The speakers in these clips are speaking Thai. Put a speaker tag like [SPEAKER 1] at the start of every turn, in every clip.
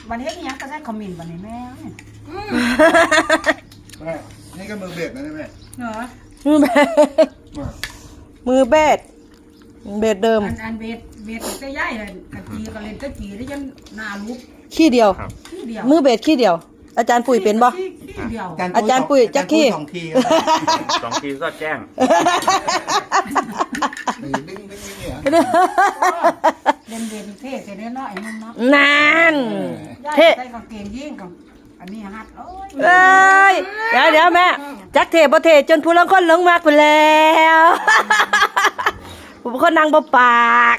[SPEAKER 1] วันเฮ็ดยังก็ใช้คอมเมนต์วันนี้แม่
[SPEAKER 2] แม่นี่ก็มือเบสนะแม่
[SPEAKER 1] เหรอ
[SPEAKER 3] มือเบสมือเบสเบสเดิม
[SPEAKER 1] อันเบสจะย่ายเลยกะจีก็เล่นตะจีได้ยังนาลุก
[SPEAKER 3] ขี้เดียวมือเบสขี้เดียวอาจารย์ปุ๋ยเป็นบ่อาจารย์ปุ๋ยจักขี้
[SPEAKER 4] 2 ทีก็แจ้ง
[SPEAKER 1] เล่นเบสเท่แต่เนื้อน้อยนั่นเนาะ
[SPEAKER 3] นาน
[SPEAKER 1] เท่ใส่กางเกงยีนกับอันนี้ฮัด
[SPEAKER 3] เอ้ยเดี๋ยวแม่จักเท่บ่เท่จนผู้ลางคนหลงมากไปแล้วผู้คนนั่งบ่ปาก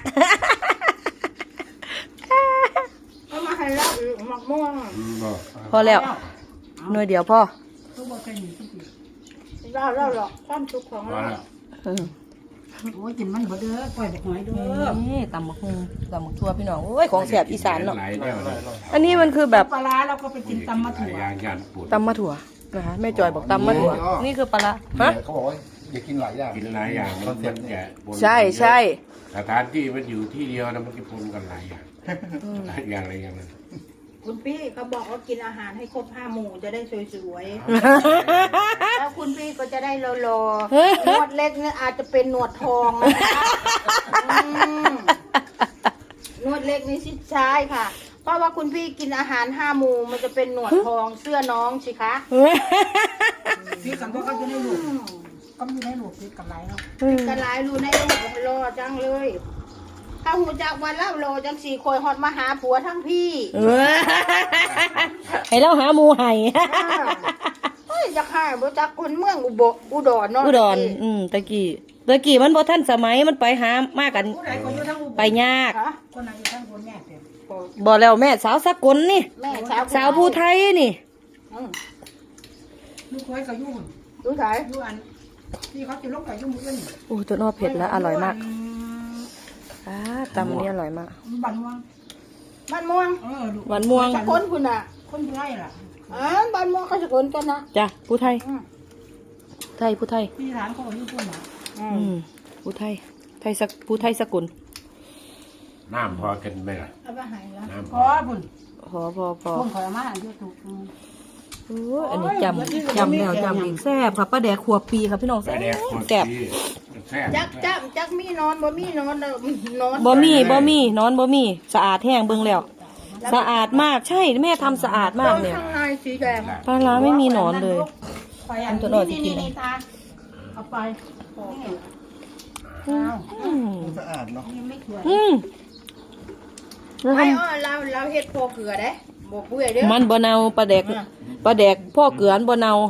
[SPEAKER 1] เอามาให้แล้วหมักม่วง
[SPEAKER 3] พอแล้วหน่วยเดียวพ่อ
[SPEAKER 1] เราหรอกความสุขของเราโอ้ยกินมันบ่เด้อปล่อยหอยเด้อ
[SPEAKER 3] นี่ตำบักหุ่งตำบักทั่วพี่น้องโอ้ยของแสบอีสานเนาะอันนี้มันคือแบบ
[SPEAKER 1] ปลาเราก็ไปกินตำมะถั่ว
[SPEAKER 3] ตำมะถั่วนะคะแม่จอยบอกตำมะถั่วนี่คือปลาฮะ
[SPEAKER 2] เขาบอกว่าอย่ากินหลายอย่าง
[SPEAKER 4] กินหลายอย่างมันแก่
[SPEAKER 3] ใช่
[SPEAKER 4] สถานที่มันอยู่ที่เดียวนะมันกินพร้อมกันหลายอย่างอะไรอย่างนั้น
[SPEAKER 1] คุณพี่เขาบอกว่ากินอาหารให้ครบ5 หมู่จะได้สวยๆแล้วคุณพี่ก็จะได้โลโลหนวดเล็กเนี่ยอาจจะเป็นหนวดทองนะคะหนวดเล็กนี่ชิดซ้ายค่ะเพราะว่าคุณพี่กินอาหาร5 หมู่มันจะเป็นหนวดทองเสื้อน้องสิคะพี่กันก็จะได้ลูกก็มีได้ลูกพี่กันไรเนาะกันไรลูกในลูกรอจังเลยถ้าหูจากวันเล่าโลจังสี่คอยฮอดมาหาผัวทั้งพี่
[SPEAKER 3] ให้เราหาหมูไห้
[SPEAKER 1] จะฆ่าบ่จักคนเมืองอุดรเนาะ
[SPEAKER 3] อุดรตะกี้มันบ่ทันสมัยมันไปหามากันไปยาก
[SPEAKER 1] คนไหนอยู่ทั้งคนแม่
[SPEAKER 3] บ่แล้วแม่สาวสกลนี่สาวผู้ไทยนี่
[SPEAKER 1] ลูกเคยก็อยู่ลูกไทยอยู่อันที่เขาจะลงไปอยู่มื้อนี้
[SPEAKER 3] โอ้ตัวนอเผ็ดแล้วอร่อยมากตำนี่อร่อยมาก
[SPEAKER 1] บ้านม่วงบ้านม่วงสกลคุณน่ะคนผู้ไทยล่ะบ้านม่วงก็สกลกันนะ
[SPEAKER 3] จ้ะผู้ไทยผู้ไทย
[SPEAKER 1] ที่ร้านเขาอยู่พุ่นน่ะ
[SPEAKER 3] ผู้ไทยผู้ไทยสกุล
[SPEAKER 4] น้ำพอกันไหมล่ะ
[SPEAKER 1] เอาไปให้แล้วพอพุ่น
[SPEAKER 3] พอ
[SPEAKER 1] พุ่นขอมาอยู่ถูก
[SPEAKER 3] อันนี้จำแล้วจำอีกแซ่บค่ะป้าแดกขวบปีครับพี่น้องแซ่บ
[SPEAKER 1] จักมีนอนบ่มีนอนนอน
[SPEAKER 3] บ่มีนอนบ่มีสะอาดแห้งเบิ่งแล้วสะอาดมากใช่แม่ทำสะอาดมากเนี่ย
[SPEAKER 1] ข้างในสีแดง
[SPEAKER 3] ปลาร้าไม่มีหนอนเลย
[SPEAKER 1] ตัวหน่อยจะกินเอาไป
[SPEAKER 2] สะอาดเนาะ
[SPEAKER 1] เราเฮ็ดพอเกลือได้บ่เปื่อยเด้อ
[SPEAKER 3] มันบ่เน่าปลาแดกพ่อเกลือบ่เน่า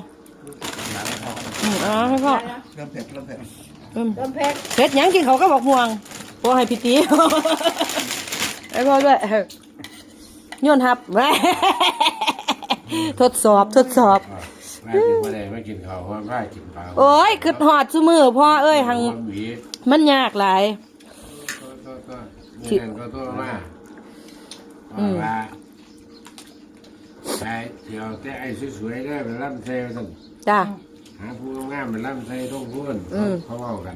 [SPEAKER 3] ให้พ่อ
[SPEAKER 2] เริ่มเผ็ด
[SPEAKER 3] เผ็ดยังกินเขาก็บอกม่วงพอให้พี่ตีไอ้พ่อด้วยโยนหับทดสอบ
[SPEAKER 4] แม่กินอะไรไม่กินเขาเพราะแม่กินปลา
[SPEAKER 3] โอ้ยคือหอดซุมือพ่อเอ้ยหังมันยากหลาย
[SPEAKER 4] นี่ก็ตัวมาว่าใช่เดี๋ยวแต่ไอ้สวยๆได้เป็นลำไส้สั่น
[SPEAKER 3] จ้า
[SPEAKER 4] หาผู้งามเป็นลำไส้ต้องพูดเขาเล่ากัน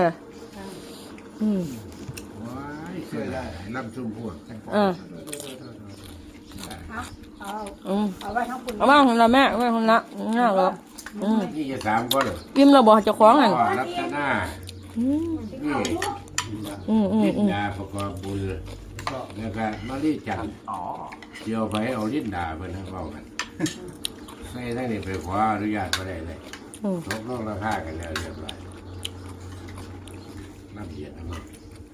[SPEAKER 4] ว้ายเคยได้ลำชุ่มพวก
[SPEAKER 1] เอาไว้ทั้งคุณ
[SPEAKER 3] เอามาคนละแม่ไว้คนละน่ารัก
[SPEAKER 4] นี่จะ3 คนเหรอ
[SPEAKER 3] กินเราบอกจะคล้องอ่ะ
[SPEAKER 4] รับหน้าลิ้นดาประกอบบุญแล้วก็มาลีจันเกี่ยวไปเอาลิ้นดาไปทั้งเฝ้ากันใส่ทั้งนี้ไปขออนุญาตก็ได้เลยลดราคากันแล้วเรียบร้อยน้ำเย็นนะ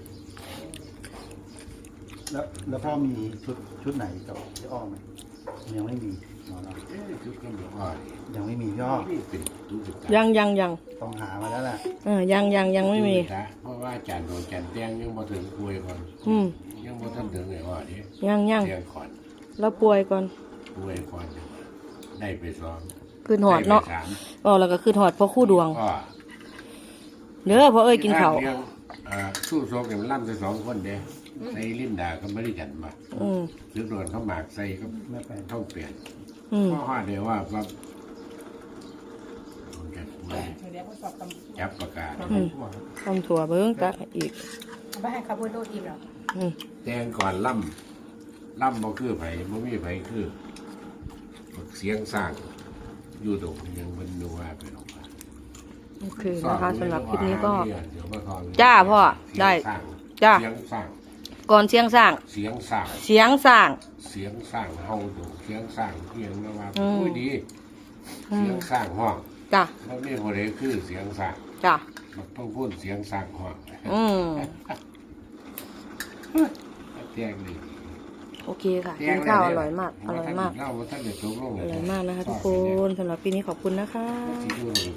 [SPEAKER 2] แล้วพ่อมีชุดไหนจะอ้อมไหมยังไม่มี
[SPEAKER 4] ชุดก็ไม่อ้อ
[SPEAKER 2] ยังไม่มีย่อ
[SPEAKER 3] ยัง
[SPEAKER 2] ต้องหามาแล้วแหละ
[SPEAKER 3] ยังไม่มี
[SPEAKER 4] เพราะว่าจันโดนจันแตงยังมาถึงป่วยก่อนยังมาถึงไอ้อ้อนี่
[SPEAKER 3] ยัง
[SPEAKER 4] เตียงก่อน
[SPEAKER 3] แล้วป่วยก่อน
[SPEAKER 4] ได้ไปซ้อม
[SPEAKER 3] คืนหอดเนาะแล้วก็คืนหอดเพราะคู่ดวงเนื้อเพราะกินเขา
[SPEAKER 4] สู้โซกเนี่ยมันล่ำใส่2 คนเด้ใส่ลิ้นดาก็ไม่ได้จันมาซื้อโดนเขาหมากใส่ก็ไม่ไปต้องเปลี่ยนเพราะว่าเดี๋ยวว่าจับประกาศ
[SPEAKER 3] ต้มถั่วเบิ้งตะอีก
[SPEAKER 1] ไปให้ขับรถอีกหรอ
[SPEAKER 4] แตงก่อนล่ล่ำบ่คือไผบ่มีไผคือเสียงสร้างอยู่ตรงยังมันนัวไปหรอกว่า
[SPEAKER 3] โอเคนะคะสำหรับคลิปนี้ก็
[SPEAKER 4] เดี๋ยวมาทอน
[SPEAKER 3] จ้าพ่อได้
[SPEAKER 4] เสียงสร้าง
[SPEAKER 3] จ้า
[SPEAKER 4] เสียงสร้าง
[SPEAKER 3] ก่อนเสียงสร้าง
[SPEAKER 4] เสียงสร้าง
[SPEAKER 3] เสียงสร้าง
[SPEAKER 4] เสียงสร้างเฮาดูเสียงสร้างเพียงนะว่า
[SPEAKER 3] อืม
[SPEAKER 4] อุ้ยดี เสียงสร้างห้อง
[SPEAKER 3] จ้ะ
[SPEAKER 4] แล้วนี่บ่ได้คือเสียงสร้าง
[SPEAKER 3] จ้ะ
[SPEAKER 4] มันต้องพูดเสียงสร้างห้อง
[SPEAKER 3] อืม
[SPEAKER 4] แจ้งดิ
[SPEAKER 3] โอเคค่ะกินข้าวอร่อยมากอร่อยมาก
[SPEAKER 4] เล่าว่าท่านจะจบลง
[SPEAKER 3] อร่อยมากนะคะทุกคนสำหรับปีนี้ขอบคุณนะคะ
[SPEAKER 4] ที่ดู